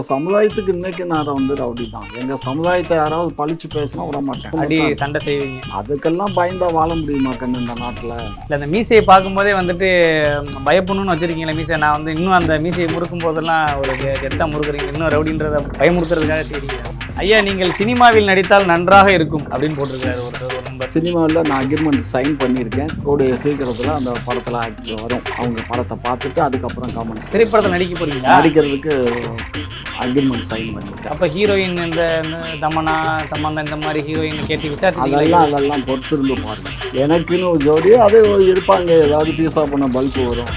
சமுதாயத்துக்கு இன்னைக்கு நான் ரவுடி தான். எங்க சமுதாயத்தை யாராவது பழிச்சு பேசினா விட மாட்டேன். அடி சண்டை செய்வீங்க. அதுக்கெல்லாம் பயந்தா வாழ முடியுமா கண்ணு இந்த நாட்டுல? இல்லை, அந்த மீசையை பார்க்கும்போதே வந்துட்டு பயப்படணும்னு வச்சிருக்கீங்களா மீசை? நான் வந்து இன்னும் அந்த மீசையை முறுக்கும் போதெல்லாம் ஒரு கெத்தா முறுக்குறீங்க, இன்னும் ரவுடின்றத பயமுறுத்துறதுக்காக செய்றீங்க. ஐயா, நீங்கள் சினிமாவில் நடித்தால் நன்றாக இருக்கும் அப்படின்னு போட்டிருக்காரு ஒரு நம்பர். சினிமாவில் நான் அக்ரிமெண்ட் சைன் பண்ணியிருக்கேன். கூடிய சீக்கிரத்தில் அந்த படத்தில் ஆக்ட் வரும். அவங்க படத்தை பார்த்துட்டு அதுக்கப்புறம் கமெண்ட்ஸ். திரைப்படத்தில் நடிக்க போறீங்களா? நடிக்கிறதுக்கு அக்ரிமெண்ட் சைன் பண்ணிட்டேன். அப்போ ஹீரோயின் இந்த தமன்னா சம்பந்தம் இந்த மாதிரி ஹீரோயின் கேட்டு விசாரிச்சு அதெல்லாம் பொறுத்திருந்து பாருங்க. எனக்குன்னு ஒரு ஜோடி அது இருப்பாங்க. ஏதாவது பீஸா பண்ண பல்பு வரும்.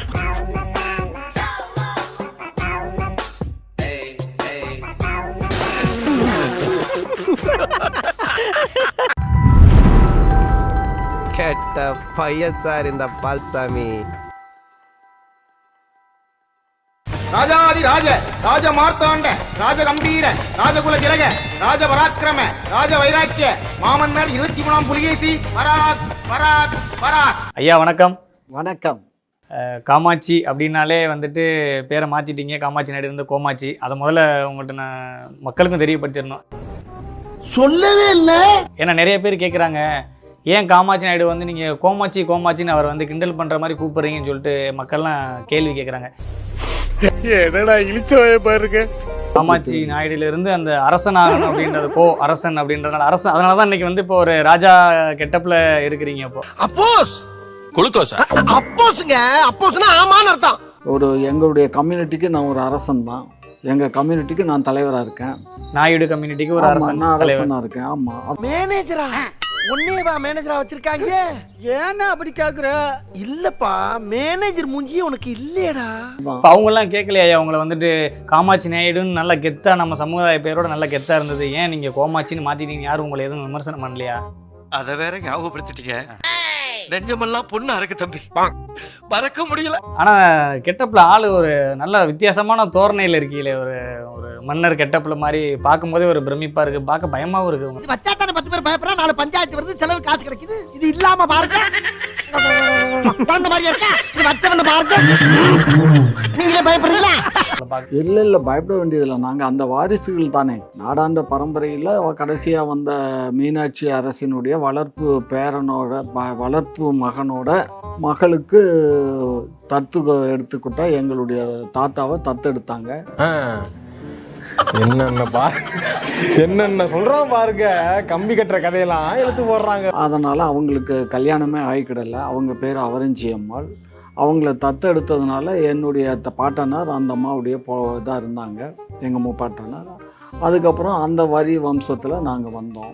கேட்ட பையன் சார் இந்த பால்சாமி. ராஜாதி ராஜ ராஜ மார்த்தாண்ட ராஜ கம்பீர ராஜகுல திலக ராஜ பராக்கிரம ராஜ வைராக்கிய மாமன்னர் 23ஆம் புலிகேசி பராக் பராக் பராக். ஐயா வணக்கம். வணக்கம். காமாட்சி அப்படின்னாலே வந்துட்டு பேரை மாற்றிட்டீங்க. காமாட்சி நாயுடு இருந்து கோமாட்சி. அதை முதல்ல உங்கள்கிட்ட நான் மக்களுக்கும் தெரியப்படுத்திடணும். சொல்லவே இல்லை. ஏன்னா நிறைய பேர் கேட்குறாங்க, ஏன் காமாட்சி நாயுடு வந்து நீங்கள் கோமாட்சி கோமாட்சின்னு அவர் வந்து கிண்டல் பண்ணுற மாதிரி கூப்பிட்றீங்கன்னு சொல்லிட்டு மக்கள்லாம் கேள்வி கேட்குறாங்க. என்னடா இழிச்சவே பாருங்க. காமாட்சி நாயுடுலேருந்து அந்த அரசனாகணும் அப்படின்றது, அரசன் அப்படின்றதுனால அரசன், அதனால தான் இன்னைக்கு வந்து இப்போ ஒரு ராஜா கெட்டப்பில் இருக்கிறீங்க. இப்போ அப்போஸ் குளுக்கோஸ் அப்போஸ்ங்க. அப்போஸ்னா ஆமான்னு அர்த்தம். ஒரு எங்களுடைய கம்யூனிட்டிக்கு நான் ஒரு அரசன் தான். எங்கள் கம்யூனிட்டிக்கு நான் தலைவராக இருக்கேன். நாயுடு கம்யூனிட்டிக்கு ஒரு அரசன் அரசனாக இருக்கேன். ஆமாம். மேனேஜரா உன்னையவா மேனேஜரா வச்சிருக்காங்க? ஏன்னா அப்படி கேக்குற? இல்லப்பா, மேனேஜர் மூஞ்சியே உனக்கு இல்லையடா. அவங்கெல்லாம் கேட்கலையா அவங்கள வந்துட்டு காமாட்சி நாயுடுன்னு நல்ல கெத்தா நம்ம சமுதாய பேரோட நல்ல கெத்தா இருந்தது, ஏன் நீங்க கோமாட்சின்னு மாத்திட்டீங்க? யாரும் உங்களை எதுவும் விமர்சனம் பண்ணலையா? அத வேற ஞாபகப்படுத்திட்டீங்க. நெஞ்சமெல்லாம் பொண்ணா இருக்கு தம்பி, மறக்க முடியல. ஆனா கெட்டப்ல ஆளு ஒரு நல்ல வித்தியாசமான தோரணையில இருக்கீங்களே, ஒரு ஒரு மன்னர் கெட்டப்ல மாதிரி பார்க்கும்போதே ஒரு பிரமிப்பா இருக்கு, பார்க்க பயமாவும் இருக்கு. வச்சாத்தான 10 பேர் பயப்படுறா, 4 பஞ்சாயத்து வருது, செலவு காசு கிடைக்குது. இது இல்லாம பாருங்க அந்த மாதிரி இருக்கா? இது வச்சவன பாருங்க, நீங்களே பயப்படுறீங்களா? இல்லை பயப்பட வேண்டியதில்லை. நாங்கள் அந்த வாரிசுகள் தானே. நாடாண்ட பரம்பரையில் கடைசியாக வந்த மீனாட்சி அரசினுடைய வளர்ப்பு பேரனோட வளர்ப்பு மகனோட மகளுக்கு தத்து எடுத்துக்கிட்டா எங்களுடைய தாத்தாவை தத்தெடுத்தாங்க. என்னென்ன சொல்றான் பாருங்க. கம்பி கட்டுற கதையெல்லாம் எடுத்து போடுறாங்க. அதனால் அவங்களுக்கு கல்யாணமே ஆகிக்கிடல. அவங்க பேர் அவரஞ்சி அம்மாள். அவங்கள தத்தெடுத்ததுனால என்னுடைய பாட்டனார் அந்த அம்மாவுடைய இதாக இருந்தாங்க, எங்கள் முப்பாட்டனார். அதுக்கப்புறம் அந்த வரி வம்சத்தில் நாங்கள் வந்தோம்.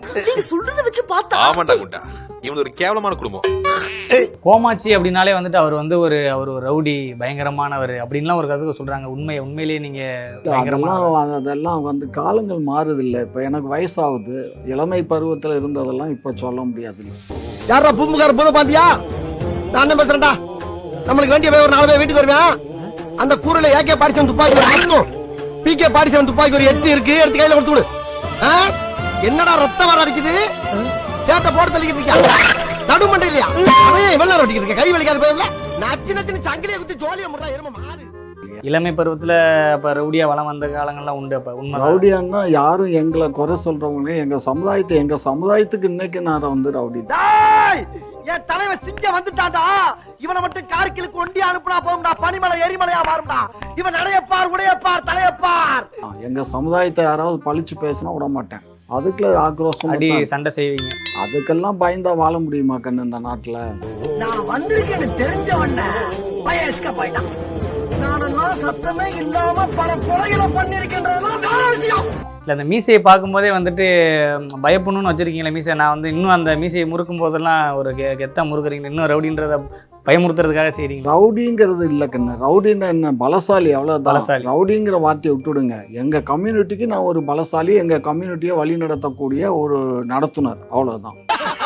ஒரு கேவலமான குடும்பம். கோமாட்சி அப்படின்னாலே வந்துட்டு அவர் வந்து ஒரு ரவுடி, பயங்கரமானவர் அப்படின்லாம் ஒரு கருத்து சொல்றாங்க. உண்மையிலேயே நீங்க அதெல்லாம் வந்து காலங்கள் மாறுதில்லை. இப்போ எனக்கு வயசாகுது. இளமை பருவத்தில் இருந்ததெல்லாம் இப்போ சொல்ல முடியாது. யாரா பூம்புகார பூத பாண்டியா? நான் பேசுறேன்டா. நம்மளுக்கு வேண்டிய ஒரு 4 பேர் வீட்டுக்கு வருவேன். அந்த கூரையில ஏகே பாடிச்சவன் துப்பாக்கி அடிக்கும், பிகே பாடிச்சவன் துப்பாக்கி ஒரு 8 இருக்கு, எடுத்து கையில கொடுத்து விடு. என்னடா ரத்தம் வர அடிக்குது? சேட்டை போட்டு தள்ளிக்கிட்டு இருக்கியா? நடுமண்டை இல்லையா? அதே இவ்வளவு நேரம் அடிக்கிட்டு இருக்க, கை வலிக்காத போயிடல. நச்சு நச்சுன்னு சங்கிலியை குத்தி ஜோலியா முறா எரும மாறு. இளமை பருவத்துல அப்ப ரவுடியா வளம் வந்த காலங்கள்லாம் உண்டு. அப்ப உண்மை ரவுடியான்னா யாரும் எங்களை குறை சொல்றவங்க எங்க சமுதாயத்துக்கு இன்னைக்கு நான் வந்து ரவுடி தான். என் தலைவன் சிங்க வந்துட்டான்டா. இவனை மட்டும் கார்கிலுக்கு ஒண்டி அனுப்புனா போகும்டா, பனிமலை எரிமலையா மாறும்டா. இவன் நடையப்பார், உடையப்பார், தலையப்பார். எங்க சமுதாயத்தை யாராவது பழிச்சு பேசினா விட மாட்டேன். அதுக்குள்ள ஆக்ரோஷம் அடி சண்டை செய்வீங்க. அதுக்கெல்லாம் பயந்தா வாழ முடியுமா கண்ணு இந்த நாட்டுல? நான் வந்திருக்கேன்னு தெரிஞ்சவண்ண பயஸ்க போயிட்டான். நானெல்லாம் சத்தமே இல்லாம பல கொலைகளை பண்ணிருக்கின்றதெல்லாம் வேற விஷயம். இல்லை, அந்த மீசையை பார்க்கும்போதே வந்துட்டு பயப்படணும்னு வச்சிருக்கீங்களா மீசை? நான் வந்து இன்னும் அந்த மீசையை முறுக்கும் போதெல்லாம் ஒரு கெத்தா முறுக்குறீங்க, இன்னும் ரவுடின்றத பயமுறுத்துறதுக்காக செய்றீங்க. ரவுடிங்கிறது இல்லை கண்ணு. ரவுடின்னா என்ன? பலசாலி, அவ்வளோதான். பலசாலி. ரவுடிங்கிற வார்த்தையை விட்டுடுங்க. எங்க கம்யூனிட்டிக்கு நான் ஒரு பலசாலி, எங்க கம்யூனிட்டியை வழி நடத்தக்கூடிய ஒரு நடத்துனர், அவ்வளோதான்.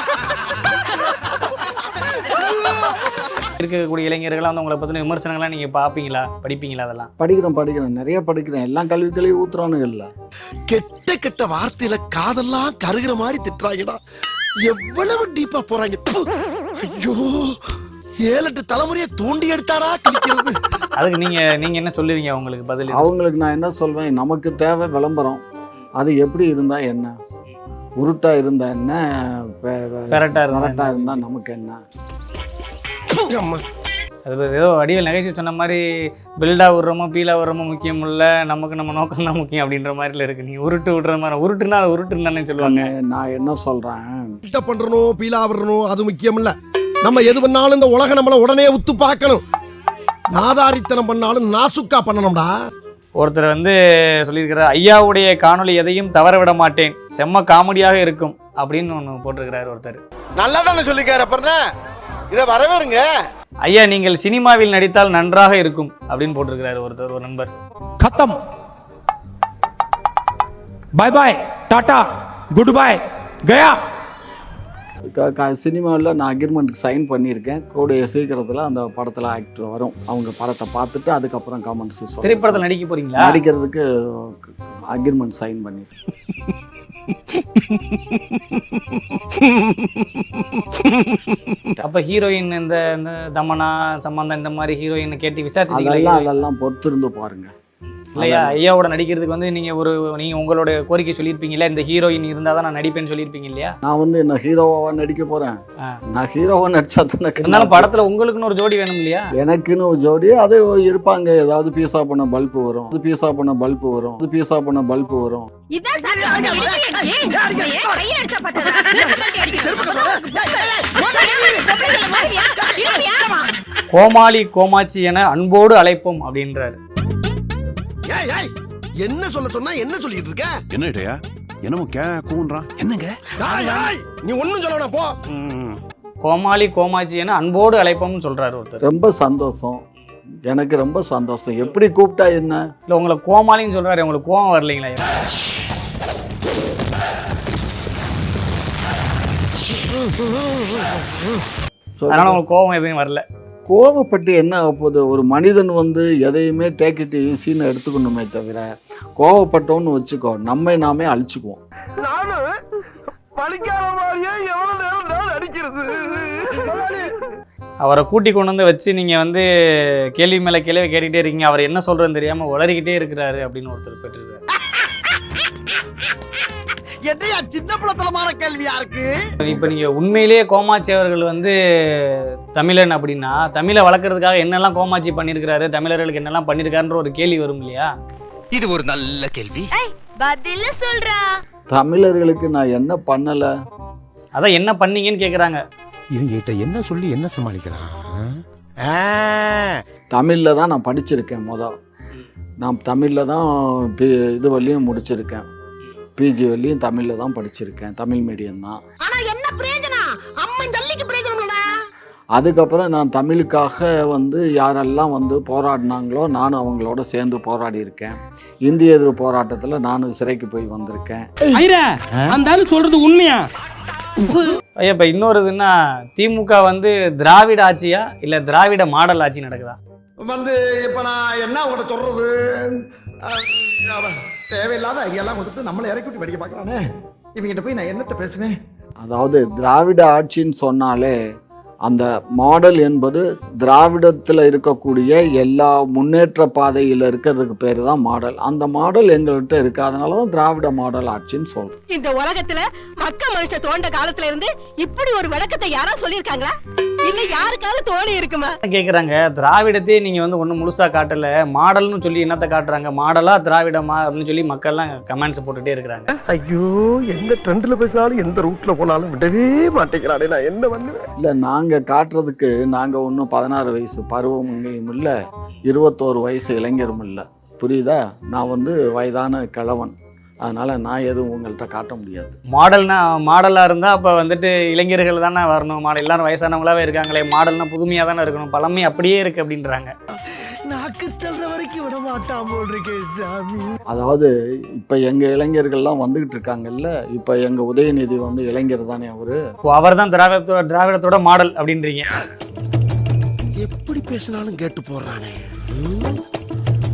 இருக்கக்கூடிய இளைஞர்கள்லாம் வந்து உங்களை பற்றின விமர்சனங்கள்லாம் நீங்கள் பார்ப்பீங்களா, படிப்பீங்களா? அதெல்லாம் படிக்கிறேன், நிறைய படிக்கிறேன். எல்லாம் கல்விகளையும் ஊத்துறானுங்க. இல்லை, கெட்ட கெட்ட வார்த்தையில காதெல்லாம் கருகிற மாதிரி திட்டுறாங்கடா. எவ்வளவு டீப்பா போறாங்க. ஐயோ, 7-8 தலைமுறையை தோண்டி எடுத்தாடா கிழிக்கிறது. அதுக்கு நீங்க என்ன சொல்லுவீங்க உங்களுக்கு பதில்? அவங்களுக்கு நான் என்ன சொல்வேன், நமக்கு தேவை விளம்பரம். அது எப்படி இருந்தா என்ன, உருட்டா இருந்தா என்ன, கரெக்டா இருந்தா நமக்கு என்ன. அது ஏதோ வடிவேல் நகைச்சுவை சொன்ன மாதிரி பில்டா விடுறோமோ பீலா விடுறோமோ முக்கியம் இல்லை, நமக்கு நம்ம நோக்கம் தான் முக்கியம் அப்படின்ற மாதிரில இருக்கு. நீங்க உருட்டு விடுற மாதிரி, உருட்டுனா அது உருட்டுன்னு தானே சொல்லுவாங்க. நான் என்ன சொல்றேன், பில்டப் பண்றணும் பீலா விடணும் அது முக்கியம் இல்ல. நம்ம எது பண்ணாலும் இந்த உலக நம்மள உடனே உத்து பார்க்கணும். நாதாரித்தனம் பண்ணாலும் நாசுக்கா பண்ணணும்டா. ஒருத்தர் வந்து சொல்லியிருக்கிறார், ஐயாவுடைய காணொளி எதையும் தவற விட மாட்டேன், செம்ம காமெடியாக இருக்கும் அப்படின்னு ஒன்று போட்டிருக்கிறார் ஒருத்தர். நல்லா தானே சொல்லிக்காரு, அப்புறம் இதை வரவேறுங்க. ஐயா நீங்கள் சினிமாவில் நடித்தால் நன்றாக இருக்கும் அப்படின்னு போட்டிருக்கிறாரு ஒருத்தர், ஒரு நண்பர். खत्म, bye bye, tata, goodbye, गया. சினிமாவில் நான் அக்ரிமெண்ட்டுக்கு சைன் பண்ணியிருக்கேன். கூடிய சீக்கிரத்தில் அந்த படத்தில் ஆக்ட் வரும். அவங்க படத்தை பார்த்துட்டு அதுக்கப்புறம் கமெண்ட்ஸ் சொல்லுவாங்க. திரைப்படத்தில் நடிக்க போறீங்களா? நடிக்கிறதுக்கு அக்ரிமெண்ட் சைன் பண்ணியிருக்கேன். அப்ப ஹீரோயின் இந்த தமனா சம்பந்தம் இந்த மாதிரி ஹீரோயின் கேட்டு விசாரிச்சு அதெல்லாம் பொறுத்திருந்து பாருங்க. இல்லையா, ஐயாவோட நடிக்கிறதுக்கு வந்து நீங்க உங்களோட கோரிக்கை சொல்லியிருப்பீங்களா, இந்த ஹீரோயின் இருந்தால் தான் நான் நடிப்பேன்னு சொல்லியிருப்பீங்க இல்லையா? நான் வந்து என்ன ஹீரோவா நடிக்க போறேன்? நான் ஹீரோவா நடிச்சா தானே. இருந்தாலும் படத்துல உங்களுக்குன்னு ஒரு ஜோடி வேணும் இல்லையா? எனக்குன்னு ஒரு ஜோடி அது இருப்பாங்க. ஏதாவது பீஸா பண்ண பல்பு வரும், அது பீஸா பண்ண பல்பு வரும், அது பீஸா பண்ண பல்பு வரும். கோமாளி கோமாச்சி என அன்போடு அழைப்போம் அப்படின்றாரு. என்ன சொல்ல சொன்னா என்ன சொல்லிட்டு இருக்க? என்ன இடையா என்னமோ கூன்றான் என்னங்க? நீ ஒண்ணும் சொல்ல போ. கோமாளி கோமாச்சி என அன்போடு அழைப்போம்னு சொல்றாரு ஒருத்தர். ரொம்ப சந்தோஷம், எனக்கு ரொம்ப சந்தோஷம். எப்படி கூப்பிட்டா என்ன? இல்ல உங்களை கோமாளின்னு சொல்றாரு, உங்களுக்கு கோவம் வரலைங்களா? அதனால உங்களுக்கு கோவம் எதுவும் வரல? கோவப்பட்டு என்ன ஆக போகுது? ஒரு மனிதன் வந்து எதையுமே டேக் இட் ஈஸின்னு எடுத்துக்கணுமே தவிர, கோவப்பட்டோன்னு வச்சுக்கோ நம்மை நாமே அழிச்சுக்குவோம். அவரை கூட்டி கொண்டு வந்து வச்சு நீங்க வந்து கேள்வி மேல கேள்வி கேட்டுக்கிட்டே இருக்கீங்க, அவர் என்ன சொல்றதுன்னு தெரியாம உளறிக்கிட்டே இருக்கிறாரு அப்படின்னு ஒருத்தர் பெற்றிருக்காரு. என்னையா சின்ன பிள்ளைத்தனமான கேள்வியா இருக்கு? இப்ப நீங்க உண்மையிலேயே கோமாட்சி அவர்கள் வந்து தமிழன் அப்படின்னா, தமிழை வளர்க்கறதுக்காக என்னெல்லாம் கோமாட்சி பண்ணிருக்காரு, தமிழர்களுக்கு என்னெல்லாம் பண்ணிருக்காருன்ற ஒரு கேள்வி வரும் இல்லையா? இது ஒரு நல்ல கேள்வி. பதில சொல்றா. தமிழர்களுக்கு நான் என்ன பண்ணல? அதான் என்ன பண்ணீங்கன்னு கேக்குறாங்க. இவங்கிட்ட என்ன சொல்லி என்ன சமாளிக்கலாம்? தமிழ்ல தான் நான் படிச்சிருக்கேன். நான் தமிழ்ல தான் இது வரையும் முடிச்சிருக்கேன். பிஜி வரையும் தமிழ்ல தான் படிச்சிருக்கேன். தமிழ் மீடியம் தான். ஆனா என்ன பிரயோஜனம்? அம்மன் ஜல்லிக்கு பிரயோஜனம்ல. அதுக்கப்புறம் நான் தமிழுக்காக வந்து யாரெல்லாம் வந்து போராடினாங்களோ நானும் அவங்களோட சேர்ந்து போராடி இருக்கேன். இந்திய எதிர்ப்பு போராட்டத்தில் நானும் சிறைக்கு போய் வந்திருக்கேன். அந்த சொல்றது உண்மையா? ஐயா இப்ப இன்னொருதுன்னா, திமுக வந்து திராவிட ஆட்சியா இல்ல திராவிட மாடல் ஆட்சி நடக்குதா? வந்து இப்ப நான் என்ன உங்கள்கிட்ட சொல்றது? தேவையில்லாத ஐடியாலாம் கொடுத்து நம்மளை இறக்கி விட்டு படிக்க பார்க்கறானே. இவங்கிட்ட போய் நான் என்னத்தை பேசுவேன்? அதாவது திராவிட ஆட்சின்னு சொன்னாலே அந்த மாடல் என்பது திராவிடத்தில் இருக்கக்கூடிய எல்லா முன்னேற்ற பாதையில் இருக்கிறதுக்கு பேர் தான் மாடல். அந்த மாடல் எங்கள்கிட்ட இருக்கு. அதனால தான் திராவிட மாடல் ஆட்சின்னு சொல்றோம். இந்த உலகத்துல மக்க மனுஷ தோண்ட காலத்துல இருந்து இப்படி ஒரு விளக்கத்தை யாரா சொல்லியிருக்காங்களா? இல்ல யாருக்காவது தோணி இருக்குமா கேக்குறாங்க. திராவிடத்தையே நீங்க வந்து ஒண்ணு முழுசா காட்டல, மாடல்னு சொல்லி என்னத்த காட்டுறாங்க? மாடலா திராவிடமா அப்படின்னு சொல்லி மக்கள் எல்லாம் கமெண்ட்ஸ் போட்டுட்டே இருக்கிறாங்க. ஐயோ, எந்த ட்ரெண்ட்ல பேசினாலும் எந்த ரூட்ல போனாலும் விடவே மாட்டேங்கிறானே, நான் என்ன பண்ணுவேன்? இல்லை, நாங்கள் காட்டுறதுக்கு நாங்கள் ஒன்றும் 16 வயசு பருவமுங்கையும் இல்லை, 21 வயசு இளைஞரும் இல்லை. புரியுதா? நான் வந்து வயதான கிழவன். அதனால் நான் எதுவும் உங்கள்கிட்ட காட்ட முடியாது. மாடலாக இருந்தால் அப்போ வந்துட்டு இளைஞர்கள் தானே வரணும். எல்லாரும் வயசானவங்களாவே இருக்காங்களே, மாடல்னா புதுமையாக தானே இருக்கணும், பழமை அப்படியே இருக்குது அப்படின்றாங்க. நாக்கு தள்ளுற வரைக்கும் விட மாட்டான் போல் இருக்கே சாமி. அதாவது இப்போ எங்கள் இளைஞர்கள்லாம் வந்துக்கிட்டு இருக்காங்கல்ல, இப்போ எங்கள் உதயநிதி வந்து இளைஞர் தானே அவரு. அவர் தான் திராவிடத்தோட மாடல் அப்படின்றீங்க. எப்படி பேசினாலும் கேட்டு போடுறானே.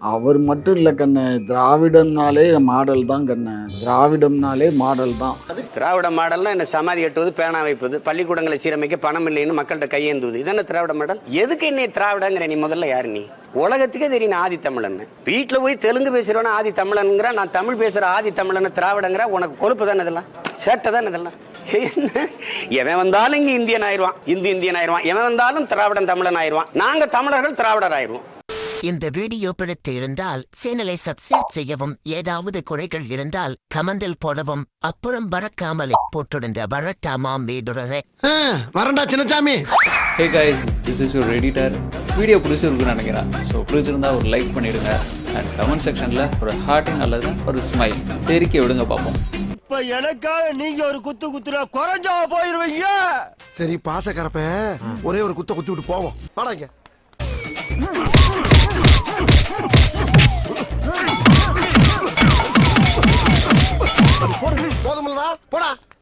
அவர் மட்டும் இல்லை கண்ணு, திராவிடம்னாலே மாடல் தான் கண்ணு, திராவிடம்னாலே மாடல் தான். திராவிட மாடல்னா என்ன? சமாதி கட்டுவது, பேனா வைப்பது, பள்ளிக்கூடங்களை சீரமைக்க பணம் இல்லைன்னு மக்கள்கிட்ட கையேந்துவது, இதென்ன திராவிட மாடல்? எதுக்கு என்னை திராவிடங்கிற? நீ முதல்ல யாரு? நீ உலகத்துக்கே தெரியும் ஆதி தமிழன். வீட்டுல போய் தெலுங்கு பேசுறவன ஆதி தமிழனுங்கிற, நான் தமிழ் பேசுற ஆதி தமிழன் திராவிடங்கிற. உனக்கு கொழுப்பு தானே இதெல்லாம்? சேட்டை தானே இதெல்லாம்? எவன் வந்தாலும் இங்க இந்தியன் ஆயிடுவான், இந்தியன் ஆயிடுவான். எவன் வந்தாலும் திராவிடன் தமிழன் ஆயிடுவான். நாங்க தமிழர்கள் திராவிடர் ஆயிடுவோம். இந்த வீடியோ பிடித்து இருந்தால் சேனலை சப்ஸ்கிரைப் செய்யவும், ஏதாவது குறைகள் இருந்தால் கமெண்டில் போடவும், அப்புறம் பறக்காமலே போட்டிருந்த வரட்டாமாம் வீடுறதை. வரண்டா Chinnasamy. Hey guys, this is your editor. Video பிடிச்சிருக்குன்னு நினைக்கிறேன். ஸோ பிடிச்சிருந்தா ஒரு லைக் பண்ணிடுங்க அண்ட் கமெண்ட் செக்ஷனில் ஒரு ஹார்ட்டிங் அல்லது ஒரு ஸ்மைல் தெரிக்க விடுங்க பார்ப்போம். இப்ப எனக்காக நீங்க ஒரு குத்து குத்துனா குறைஞ்சா போயிருவீங்க. சரி பாசக்கரப்ப ஒரே ஒரு குத்த குத்தி விட்டு போவோம். வாடாங்க. போதுமில்லடா, போடா.